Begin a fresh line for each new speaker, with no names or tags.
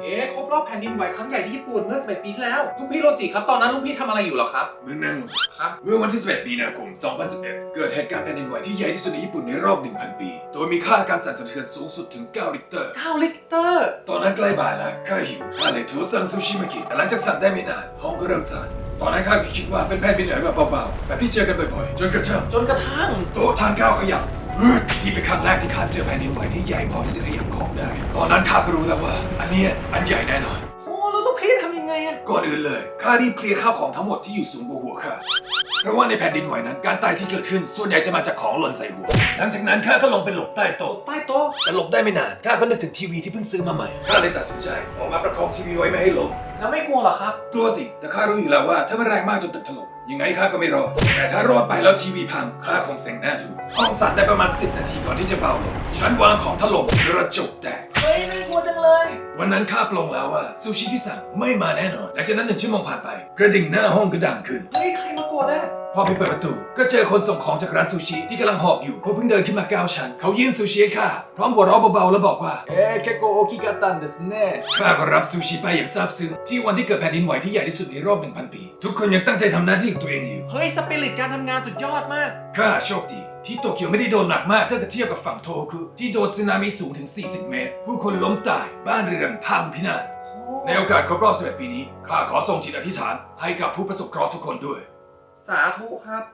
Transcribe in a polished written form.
ครบรอบแผ่นดินไหวครั้งใหญ่ที่ญี่ปุ่นเมื่อ11 ปีที่แล้วลุงพี่โรจิครับตอนนั้นลุงพี่ทำอะไรอยู่หรอครับ
เมืองนั้น
ครับ
เมื่อวันที่11 มีนาคม 2011 เกิดเหตุการณ์แผ่นดินไหวที่ใหญ่ที่สุดในญี่ปุ่นในรอบ 1,000 ปี โดยมีค่าการสั่นสะเทือนสูงสุดถึง 9 ริกเตอร์
9 ลิกเตอร์
ตอนนั้นใกล้บ่ายแล้วข้าหิวข้าเลยโทรสั่งซูชิมากินแต่หลังจากสั่งได้ไม่นานห้องก็เริ่มสั่นตอนนั้นข้าก็คิดว่าเป็นแผ่นดินไหวแบบเบาๆแบบที่เจอกันบ่อยๆจนกระทั่งโต๊ะทานข้าวขยับนี่เป็นครั้งแรกที่ข้าเจอแผ่นดินไหวที่ใหญ่พอที่จะขยับของได้ตอนนั้นข้าก็รู้แล้วว่าอันใหญ่แน่นอน
โอ้แล้วลุงพี่ทำยังไงอะ
ก่อนอื่นเลยข้ารีบเคลียร์ข้าวของทั้งหมดที่อยู่สูงกว่าหัวข้าเพราะว่าในแผ่นดินไหวนั้นการตายที่เกิดขึ้นส่วนใหญ่จะมาจากของหล่นใส่หัวหลังจากนั้นข้าก็ลงไปหลบใต้โต๊ะ
ใต้โต๊ะ
แต่หลบได้ไม่นานข้าก็นึกถึงทีวีที่เพิ่งซื้อมาใหม่ข้าเลยตัดสินใจออกมาประคองทีวีไว้ไม่ให้ล้ม
แล้วไม่กลัวหรอครับ
กลัวสิแต่ข้ารู้อยู่แล้วว่าถ้ามันแรงมากจนตึกถล่มยังไงข้าก็ไม่รอดแต่ถ้ารอดไปแล้วทีวีพังข้าคงเซ็งหน้าดูห้องสั่นได้ประมาณ10 นาทีก่อนที่จะเบาลงชั้นวางของถล่มกระจกแตก
เฮ้ยน่ากลัวจังเลย
วันนั้นข้าปลงแล้วว่าซูชิที่สั่งไม่มาแน่นอนหลังจากนั้น1 ชั่วโมงผ่านไปกระดิ่งหน้าห้องก็ดังขึ้น
เฮ้ยใครมากดอะ
พอไปเปิดประตูก็เจอคนส่งของจากร้านซูชิที่กำลังหอบอยู่เพราะเพิ่งเดินขึ้นมา9 ชั้นเขายื่นซูชิให้ข้าพร้อมหัวเราะเบาๆแล้วบอกว่า
結構大きかったんですね
ข้าก็รับซูชิไปอย่างซาบซึ้งที่วันที่เกิดแผ่นดินไหวที่ใหญ่ที่สุดในรอบ 1,000 ปีทุกคนยังตั้งใจทำหน้าที่ของตัวเองอยู่
เฮ้ยสปิริตการทำงานสุดยอดมาก
ข้าโชคดีที่โตเกียวไม่ได้โดนหนักมากถ้าเทียบกับฝั่งโทโฮคุที่โดนสึนามิสูงถึง40 เมตรผู้คนล้มตายบ้านเรือนพังพินาศในโอกาสครบรอบ11 ปีนี้ข้าขอส่งจิตอธิษฐานให้กับผู้ประสบเคราะห์ทุกคนด้วย
สาธุครับ